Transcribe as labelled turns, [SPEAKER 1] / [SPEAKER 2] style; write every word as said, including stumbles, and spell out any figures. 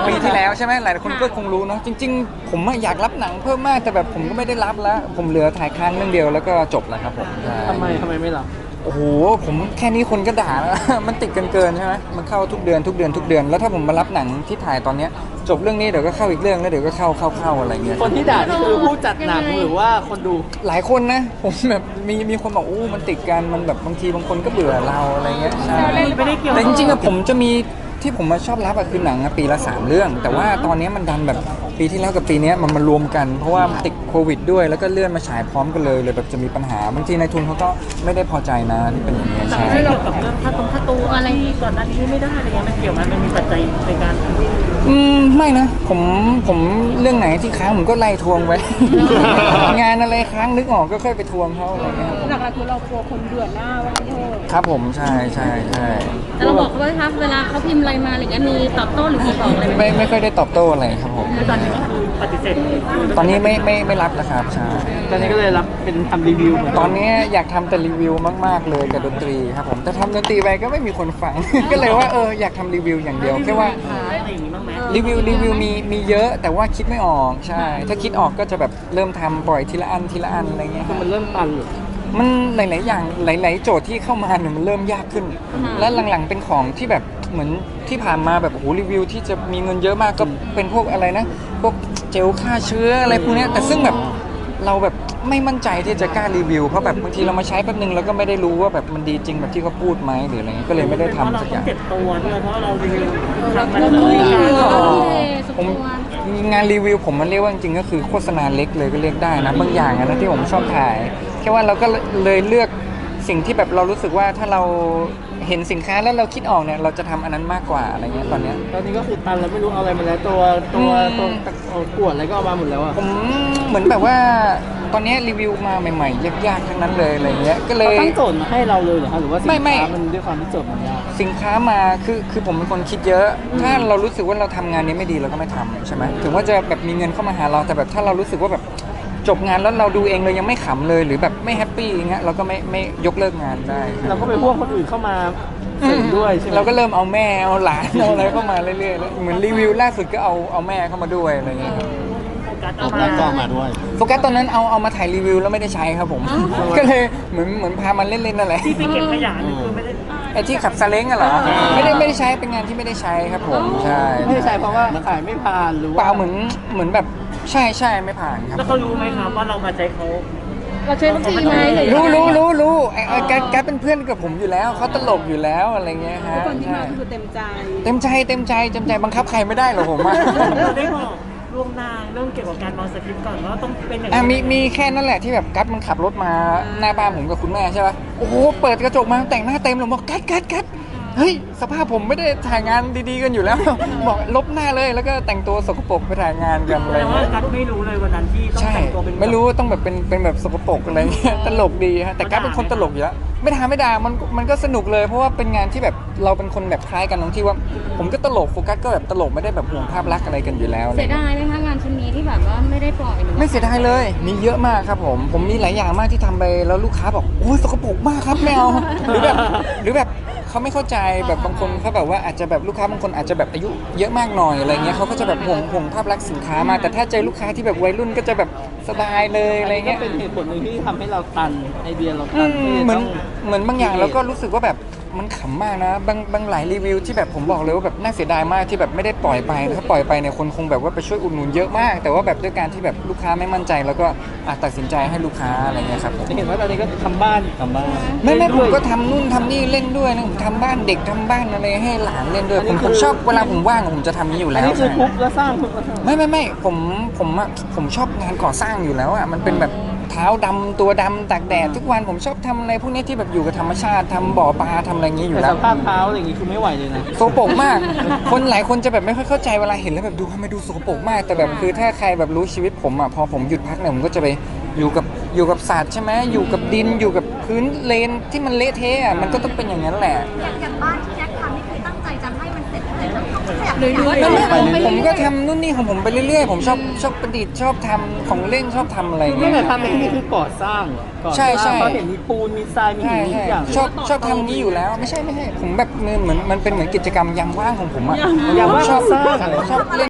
[SPEAKER 1] ปีที่แล้วใช่ไหมหลายคนก็คงรู้เนาะจริงๆผมอยากรับหนังเพิ่มมากแต่แบบผมก็ไม่ได้รับแล้วผมเหลือถ่ายค้างเรื่องเดียวแล้วก็จบแล้วครับผม
[SPEAKER 2] ทำไมทำไมไม่รับ
[SPEAKER 1] โอ้โหผมแค่นี้คนก็ด่าแล้ว มันติดกันเกินใช่ไหมมันเข้าทุกเดือนทุกเดือนทุกเดือนแล้วถ้าผมมารับหนังที่ถ่ายตอนเนี้ยจบเรื่องนี้เดี๋ยวก็เข้าอีกเรื่องแล้วเดี๋ยวก็เข้าเข้าเข้าอะไรเงี้ย
[SPEAKER 2] คนที่ด่านี่คือผู้จัดหนังหรือว่าคนดู
[SPEAKER 1] หลายคนนะผมแบบมีมีคนบอกโอ้มันติดกันมันแบบบางทีบางคนก็เบื่อเราอะไรเงี้ยใช่แต่จริงๆอะผมจะมีที่ผมมาชอบรับอะคือหนังปีละสามเรื่อง แต่ว่าตอนนี้มันดันแบบปีที่แล้วกับปีนี้มันมารวมกันเพราะว่าติดโควิดด้วยแล้วก็เลื่อนมาฉายพร้อมกันเลยเลยแบบจะมีปัญหาบางทีนายทุนเขาก็ไม่ได้พอใจนะที่เป็นอย่างนี้ใช่
[SPEAKER 3] ให้เรากับเรื่องค่าตรงค่าตัวอะไรก่อนหน้านี้ไม่ได้อะไรเงี้ยมันเกี่ยวมันมันมีปัจจัยในการ
[SPEAKER 1] อืมไม่นะผมผมเรื่องไหนที่ค้างผมก็ไล่ทวงไว้ งานอะไรค้างนึกออกก็ค่อยไปทวงเขาอะไรเงี้ย
[SPEAKER 4] หลักๆคือเรากลัวคนเบื่อหน้าว่าเออ
[SPEAKER 1] ครับผมใช่ใช่ใช่
[SPEAKER 4] แต่เราบอกเขาว่าครับเวลาเขาพิมพ์อะไรมาอะไรเงี้ยมีตอบโต้หรือมีบอกอะไรไหม
[SPEAKER 1] ไม่ไม่ค่อยได้ตอบโต้อะไรครับผม
[SPEAKER 3] ตอนนี้ก็คือปฏิเสธ
[SPEAKER 1] ตอนนี้ไม่ไม่ไม่รับนะครับใช่
[SPEAKER 2] ตอนนี้ก็เลยรับเป็นทำรีวิว
[SPEAKER 1] ตอนนี้อยากทำแต่รีวิวมากๆเลยกับดนตรีครับผมแต่ทำดนตรีไปก็ไม่มีคนฟัง ก็เลยว่าเอออยากทำรีวิวอย่างเดียวแค่ว่ารีวิวรีวิวมีมีเยอะแต่ว่าคิดไม่ออกใช่ถ้าคิดออกก็จะแบบเริ่มทำปล่อยทีละอันทีละอันอะไรเงี้ย
[SPEAKER 2] มันเริ่มตันหรือ
[SPEAKER 1] มันหลายๆอย่างหลายๆโจทย์ที่เข้ามาเนี่ยมันเริ่มยากขึ้นและหลังๆเป็นของที่แบบเหมือนที่ผ่านมาแบบโอ้โหรีวิวที่จะมีเงินเยอะมากก็เป็นพวกอะไรนะพวกเจลฆ่าเชื้ออะไรพวกนี้แต่ซึ่งแบบเราแบบไม่มั่นใจที่จะกล้ารีวิวเพราะแบบบางทีเรามาใช้แป๊บนึงแล้วก็ไม่ได้รู้ว่าแบบมันดีจริงแบบที่เขาพูดไหมหรืออะไรเงี้ยก็เลยไม่ได้ทำสักอย่าง
[SPEAKER 3] เจ็บตัวด้วยเพราะเรารีวิวทำมัน
[SPEAKER 1] ผมงานรีวิวผมมันเรียกว่าจริงๆก็คือโฆษณาเล็กเลยก็เรียกได้นะบางอย่างนะที่ผมชอบถ่ายแค่ว่าเราก็เลยเลือกสิ่งที่แบบเรารู้สึกว่าถ้าเราเห็นสินค้าแล้วเราคิดออกเนี่ยเราจะทำอันนั้นมากกว่าอะไรเงี้ยตอนเนี้ย
[SPEAKER 2] ตอนนี้ก็คือตันแล้วไม่รู้เอาอะไรมาแล้วตัวตัวตัวกวดอะไรก็เอามาหมดแล้วอ่ะ
[SPEAKER 1] ผมเหมือนแบบว่าตอนนี้รีวิวมาใหม่ๆยากๆทั้งนั้นเลยอะไรเงี้ยก็เลย
[SPEAKER 2] ตั้งโจทย์มาให้เราเลยเหรอฮะหรือว่าสินค้ามันด้วยความที่โจทย์มันยาก
[SPEAKER 1] สินค้ามาคือคือผมเป็นคนคิดเยอะถ้าเรารู้สึกว่าเราทำงานนี้ไม่ดีเราก็ไม่ทำใช่ไหมถึงว่าจะแบบมีเงินเข้ามาหาเราแต่แบบถ้าเรารู้สึกว่าแบบจบงานแล้วเราดูเองเลยยังไม่ขำเลยหรือแบบไม่แฮปปี้อย่างเงี้ยเราก็ไม่ไม่ยกเลิกงานได้
[SPEAKER 2] เราก็ไปพวกคนอื่นเข้ามาเสริมด้วยใช่ไหม
[SPEAKER 1] เราก็เริ่มเอาแม่เอาหลานเอาอะไรเข้ามาเรื่อยๆเหมือนรีวิวล่าสุดก็เอาเอาแม่เข้ามาด้วยอะไรเงี้ย
[SPEAKER 3] เอาแม่
[SPEAKER 2] ก็มาด้วย
[SPEAKER 1] โฟกัสตอนนั้นเอาเอามาถ่ายรีวิวแล้วไม่ได้ใช้ครับผมก็เลยเหมือนเหมือนพามันเล่นๆนั่นแหละ
[SPEAKER 3] ที่ไปเก็บขยะนี่คือไม่ได้
[SPEAKER 1] ไอ้ที่ขับซาเล้งอะเหรอไม่ได้ไม่ได้ใช้เป็นงานที่ไม่ได้ใช้ครับผมใช่
[SPEAKER 2] ไม่ได้ใช้เพราะว่าขายไม่ผ่านหรือ
[SPEAKER 1] เปล่าเหมือนเหมือนแบบใช่ใช่ไม่ผ่านครับ
[SPEAKER 3] แล้วเขารู้ไหมครับว่าเรามาใช้เขา
[SPEAKER 4] เราใช้บัญชีไหม
[SPEAKER 1] รู้รู้รู้รู้ไอ้แกแกเป็นเพื่อนกับผมอยู่แล้วเขาตลกอยู่แล้วอะไรเงี้ยฮะ
[SPEAKER 4] คนที่มาคือเต็มใจ
[SPEAKER 1] เต็มใจเต็มใจเต็มใจบังคับใครไม่ได้หรอกผม
[SPEAKER 3] เราได้บอกล่วงหน้าเรื่องเกี่ยวกับการนอนสคริปต์ก่อนว่าต้องเป็นอย่าง
[SPEAKER 1] นี้มีมีแค่นั้นแหละที่แบบกัดมันขับรถมาหน้าบ้านผมกับคุณแม่ใช่ป่ะโอ้โหเปิดกระจกมาแต่งหน้าเต็มเลยบอกกัดกัดกัดเฮ้ยสภาพผมไม่ได้ถ่ายงานดีๆกันอยู่แล้วบอกลบหน้าเลยแล้วก็แต่งตัวสกปรกไปถ่ายงานกันอะไร
[SPEAKER 3] เงี้ยกัดไม่รู้เลยวันนั้นที่ต้องแต่งตัวเป็น
[SPEAKER 1] ไม่รู้ต้องแบบเป็นเป็นแบบสกปรกอะไรเงี้ยตลกดีฮะแต่กัดเป็นคนตลกอยู่แล้วไม่ด่าไม่ด่ามันมันก็สนุกเลยเพราะว่าเป็นงานที่แบบเราเป็นคนแบบคล้ายกันตรงที่ว่าผมก็ตลกโฟกัสก็แบบตลกไม่ได้แบบห่วงภาพลักษณ์อะไรกันอยู่แล้ว
[SPEAKER 4] เสียดายไหมคะงานชิ้นนี้ที่แบบว่าไม่ได้ปล่อย
[SPEAKER 1] ไม่เสียดายเลยมีเยอะมากครับผมผมมีหลายอย่างมากที่ทำไปแล้วลูกค้าบอกโอ้ยสกปรกมากครับไม่เอาหรือแบบหรือแบบเขาไม่เข้าใจแบบบางคนเขาแบบว่าอาจจะแบบลูกค้าบางคนอาจจะแบบอายุเยอะมากหน่อยอะไรเงี้ยเขาก็จะแบบห่วงห่วงภาพลักษณ์สินค้ามาแต่ถ้าเจอลูกค้าที่แบบวัยรุ่นก็จะแบบสบายเลยอะไรเงี้ย
[SPEAKER 2] เป็นเหตุผลหนึ่งที่ทำให้เราตันไอเดียเราตัน
[SPEAKER 1] เหมือนเหมือนบางอย่างแล้วก็รู้สึกว่าแบบมันขำมากนะบางบางหลายรีวิวที่แบบผมบอกเลยว่าแบบน่าเสียดายมากที่แบบไม่ได้ปล่อยไปถ้าปล่อยไปเนี่ยคนคงแบบว่าไปช่วยอุดหนุนเยอะมากแต่ว่าแบบด้วยการที่แบบลูกค้าไม่มั่นใจแล้วก็ตัดสินใจให้ลูกค้าอะไรเงี้ยครับ
[SPEAKER 2] เห็นว่าตอนนี้ก็ทำบ้านทำบ้าน
[SPEAKER 1] ไม่ไม่ผมก็ทำนู่นทำนี่เล่นด้วยนะผมทำบ้านเด็กทำบ้านอะไรให้หลานเล่นด้วยผมผมชอบเวลาผมว่างผมจะทำนี้อยู่แล้ว
[SPEAKER 2] นี่คือทุบแล้วสร้าง
[SPEAKER 1] ไม่ไม่ไม่ผมผมอะผมชอบงานก่อสร้างอยู่แล้วอ่ะมันเป็นแบบเท้าดำตัวดำตากแดดทุกวันผมชอบทำอะไรพวกนี้ที่แบบอยู่กับธรรมชาติทำบ่อปลาทำอะไรอย่างนี้อยู่แล้ว
[SPEAKER 2] สภาพเท้าอะไรอย่างนี้คือไม่ไหวเลยนะ
[SPEAKER 1] โสกปรกมากคนหลายคนจะแบบไม่ค่อยเข้าใจเวลาเห็นแล้วแบบดูทำไมดูโสกปรกมากแต่แบบคือถ้าใครแบบรู้ชีวิตผมอ่ะพอผมหยุดพักเนี่ยผมก็จะไปอยู่กับอยู่กับสัตว์ใช่ไหมอยู่กับดินอยู่กับพื้นเลนที่มันเละเทะมันก็ต้องเป็นอย่างนั้นแหละ
[SPEAKER 5] อย่างบ้านที่แจ็คทำนี่คือตั้งใจจะให้มันเสร็จเลยต้อง
[SPEAKER 4] หรือว่า
[SPEAKER 1] ไม่ไม่
[SPEAKER 2] ไป
[SPEAKER 1] ผม
[SPEAKER 2] เรื่อยๆ
[SPEAKER 1] ผมก็ทำนู่นนี่ของผมไปเรื่อยๆ ผมชอบชอบประดิษฐ์ชอบทำของเล่นชอบทำอะไรอย่าง
[SPEAKER 2] ไม่
[SPEAKER 1] เงี้ย
[SPEAKER 2] แต่ทำในที่นี่คือก่อสร้างก่อส
[SPEAKER 1] ใช่
[SPEAKER 2] ร้าง
[SPEAKER 1] ใช่
[SPEAKER 2] เขาเห็นมีปูนมีทรายมี
[SPEAKER 1] ใช่
[SPEAKER 2] หินมี
[SPEAKER 1] ใช่
[SPEAKER 2] ทุกอย่าง
[SPEAKER 1] ชอบชอบทำนี้อยู่แล้วไม่ใช่ไม่ใช่ผมแบบเหมือนเหมือนมันเป็นเหมือนกิจกรรมยามว่างของผมอะ
[SPEAKER 2] ยามว่าง
[SPEAKER 1] ชอบ
[SPEAKER 2] สร้าง
[SPEAKER 1] ชอบเล่น